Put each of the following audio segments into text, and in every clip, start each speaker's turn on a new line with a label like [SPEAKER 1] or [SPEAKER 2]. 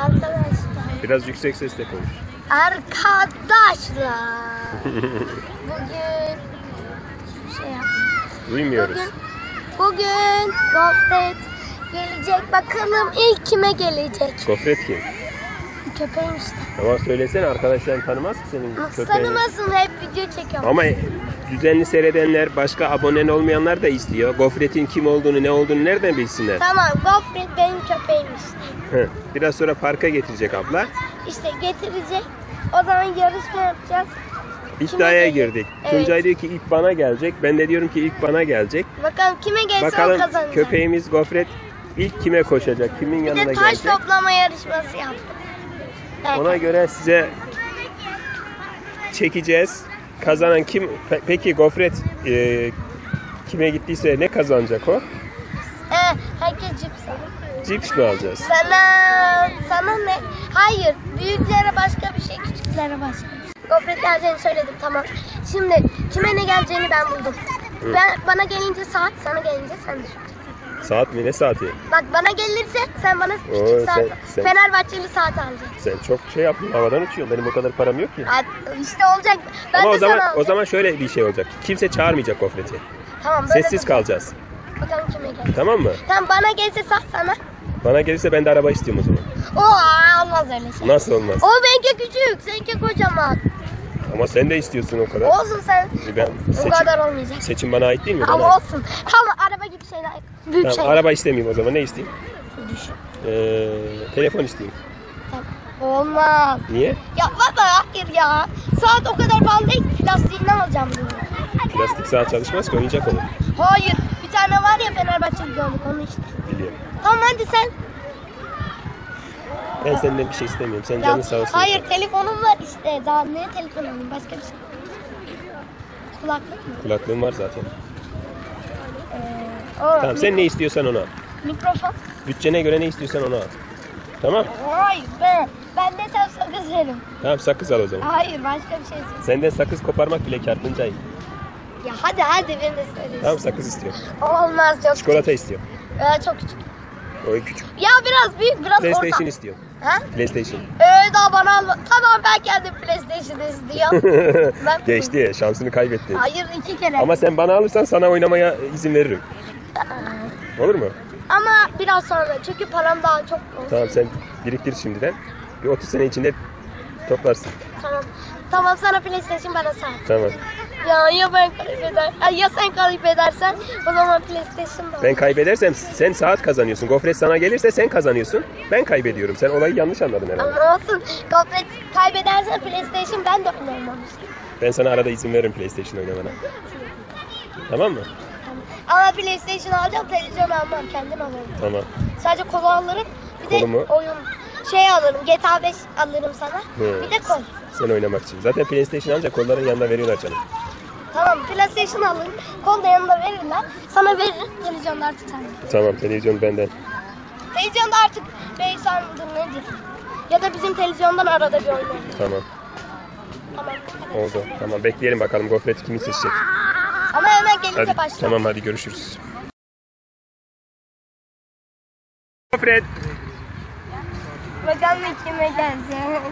[SPEAKER 1] Arkadaşlar.
[SPEAKER 2] Biraz yüksek sesle konuş.
[SPEAKER 1] Arkadaşlar. Bugün şey
[SPEAKER 2] Duymuyoruz.
[SPEAKER 1] Bugün Gofret gelecek. Bakalım ilk kime gelecek?
[SPEAKER 2] Gofret kim?
[SPEAKER 1] Köpeğim işte.
[SPEAKER 2] Ama söylesene, arkadaşların tanımaz ki senin köpeğini.
[SPEAKER 1] Tanımasın, hep video çekiyorum.
[SPEAKER 2] Ama düzenli seyredenler, başka abonen olmayanlar da istiyor. Gofret'in kim olduğunu, ne olduğunu nereden bilsinler?
[SPEAKER 1] Tamam, Gofret benim köpeğim işte.
[SPEAKER 2] Biraz sonra parka getirecek abla.
[SPEAKER 1] İşte getirecek. O zaman yarışma yapacağız.
[SPEAKER 2] İddiaya girdik.
[SPEAKER 1] Evet.
[SPEAKER 2] Tuncay diyor ki ilk bana gelecek. Ben de diyorum ki ilk bana gelecek.
[SPEAKER 1] Bakalım kime gelse
[SPEAKER 2] Bakalım
[SPEAKER 1] o kazanacak.
[SPEAKER 2] köpeğimiz Gofret ilk kime koşacak? Kimin yanına
[SPEAKER 1] Bir de
[SPEAKER 2] gelecek?
[SPEAKER 1] taş toplama yarışması yaptık. Evet.
[SPEAKER 2] Ona göre size çekeceğiz. Kazanan kim? Peki Gofret kime gittiyse ne kazanacak o?
[SPEAKER 1] Herkes cips alır.
[SPEAKER 2] Cips mi alacağız?
[SPEAKER 1] Sana ne? Hayır. Büyüklere başka bir şey, küçüklere başka bir şey. Gofret geleceğini söyledim, tamam. Şimdi kime ne geleceğini ben buldum. Bana gelince saat, sana gelince sen düşün.
[SPEAKER 2] Saat mi? Ne saati?
[SPEAKER 1] Bak bana gelirse sen bana küçük saat,
[SPEAKER 2] sen...
[SPEAKER 1] Fenerbahçeli saat alacaksın.
[SPEAKER 2] Sen çok şey yaptın, havadan uçuyorsun. Benim o kadar param yok ki.
[SPEAKER 1] İşte olacak. Ben
[SPEAKER 2] ama
[SPEAKER 1] de
[SPEAKER 2] o zaman şöyle bir şey olacak. Kimse çağırmayacak Gofret'i.
[SPEAKER 1] Tamam, böyle
[SPEAKER 2] sessiz kalacağız.
[SPEAKER 1] Bakalım kime gelecek.
[SPEAKER 2] Tamam mı?
[SPEAKER 1] Tamam, bana gelse saat sana.
[SPEAKER 2] Bana gelirse ben de araba istiyorum o zaman.
[SPEAKER 1] Olmaz öyle şey.
[SPEAKER 2] Nasıl olmaz?
[SPEAKER 1] O benimki küçük, seninki kocaman.
[SPEAKER 2] Ama sen de istiyorsun o kadar.
[SPEAKER 1] Olsun sen. O kadar olmayacak.
[SPEAKER 2] Seçim bana ait değil mi?
[SPEAKER 1] Ama olsun. Tamam, araba gibi şeyler. Büyük
[SPEAKER 2] tamam,
[SPEAKER 1] şeyler.
[SPEAKER 2] araba istemeyeyim o zaman. Ne isteyeyim?
[SPEAKER 1] Düşün.
[SPEAKER 2] Telefon isteyeyim.
[SPEAKER 1] Tamam. Olmaz.
[SPEAKER 2] Niye?
[SPEAKER 1] Ya baba, hayır ya. Saat o kadar pahalı değil. Plastiğinden alacağım bunu.
[SPEAKER 2] Plastik saat çalışmaz ki, oyuncak olur.
[SPEAKER 1] Hayır. Bir tane var ya, Fenerbahçeli gördük onu işte.
[SPEAKER 2] Biliyorum.
[SPEAKER 1] Tamam, hadi sen.
[SPEAKER 2] Ben senden bir şey istemiyorum. Sen canın sağ olsun.
[SPEAKER 1] Hayır, telefonum var işte. Daha ne telefon alayım? Başka bir şey. Kulaklık mı?
[SPEAKER 2] Kulaklığın var zaten. Tamam, sen ne istiyorsan onu al.
[SPEAKER 1] Mikrofon.
[SPEAKER 2] Bütçene göre ne istiyorsan onu al. Tamam.
[SPEAKER 1] Hayır be. Ben de sen sakız verim.
[SPEAKER 2] Tamam, sakız al o zaman.
[SPEAKER 1] Hayır, başka bir şey istiyorum.
[SPEAKER 2] Senden sakız koparmak bile kâr Tuncay.
[SPEAKER 1] Ya hadi ben de söyleyeyim.
[SPEAKER 2] Tamam, sakız istiyorum.
[SPEAKER 1] Olmaz, çok
[SPEAKER 2] Çikolata istiyorum.
[SPEAKER 1] küçük. Çok küçük.
[SPEAKER 2] O küçük.
[SPEAKER 1] Ya biraz büyük, biraz
[SPEAKER 2] PlayStation
[SPEAKER 1] orta.
[SPEAKER 2] istiyorum.
[SPEAKER 1] Ha?
[SPEAKER 2] PlayStation.
[SPEAKER 1] Daha bana alma. Tamam, ben kendim PlayStation istiyorum.
[SPEAKER 2] Geçti, şansını kaybettin.
[SPEAKER 1] Hayır, 2 kere.
[SPEAKER 2] Ama sen bana alırsan sana oynamaya izin veririm. Olur mu?
[SPEAKER 1] Ama biraz sonra, çünkü param daha çok olsun.
[SPEAKER 2] Tamam, sen biriktir şimdiden. Bir 30 sene içinde toplarsın.
[SPEAKER 1] Tamam. Tamam, sana PlayStation, bana saat.
[SPEAKER 2] Tamam.
[SPEAKER 1] Ya ben kaybederim. Ya sen kaybedersen o zaman PlayStation da.
[SPEAKER 2] Ben kaybedersem sen saat kazanıyorsun. Gofret sana gelirse sen kazanıyorsun. Ben kaybediyorum. Sen olayı yanlış anladın herhalde.
[SPEAKER 1] Ama olsun. Gofret kaybedersen PlayStation, ben de oynamam işte.
[SPEAKER 2] Ben sana arada izin veririm PlayStation oynamana. Tamam mı?
[SPEAKER 1] Ama PlayStation alacağım, televizyon almam, kendim alırım.
[SPEAKER 2] Tamam.
[SPEAKER 1] Sadece kola alırım. Bir de
[SPEAKER 2] Kolu mu?
[SPEAKER 1] oyun alırım. GTA 5 alırım sana. Bir de kol.
[SPEAKER 2] Sen oynamak için. Zaten PlayStation ancak kolların yanında veriyorlar canım.
[SPEAKER 1] Tamam, PlayStation alırım. Kol da yanında verirler. Sana veririm. Televizyonda artık sende.
[SPEAKER 2] Tamam, televizyon benden.
[SPEAKER 1] Televizyonda artık Beysan mıdır nedir? Ya da bizim televizyondan arada bir oynarım.
[SPEAKER 2] Tamam.
[SPEAKER 1] Tamam.
[SPEAKER 2] Oldu. Tamam, bekleyelim bakalım Gofret kimi seçecek.
[SPEAKER 1] Ama hemen gelince
[SPEAKER 2] Hadi,
[SPEAKER 1] başla.
[SPEAKER 2] tamam, hadi görüşürüz. Gofret.
[SPEAKER 1] Bakalım kime gelecek.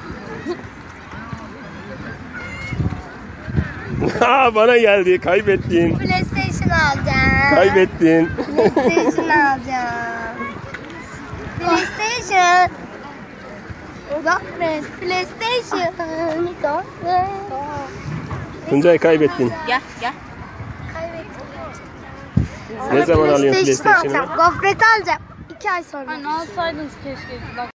[SPEAKER 2] Bana geldi. Kaybettin.
[SPEAKER 1] PlayStation alacağım.
[SPEAKER 2] Kaybettin.
[SPEAKER 1] PlayStation alacağım. PlayStation. Gofret. PlayStation. Gofret.
[SPEAKER 2] Tuncay, kaybettin.
[SPEAKER 3] Gel.
[SPEAKER 1] Kaybettim.
[SPEAKER 2] Ne zaman alıyorsun PlayStation'ı?
[SPEAKER 1] Gofret alacağım. 2 ay sonra.
[SPEAKER 3] Hani alsaydınız keşke. Bak.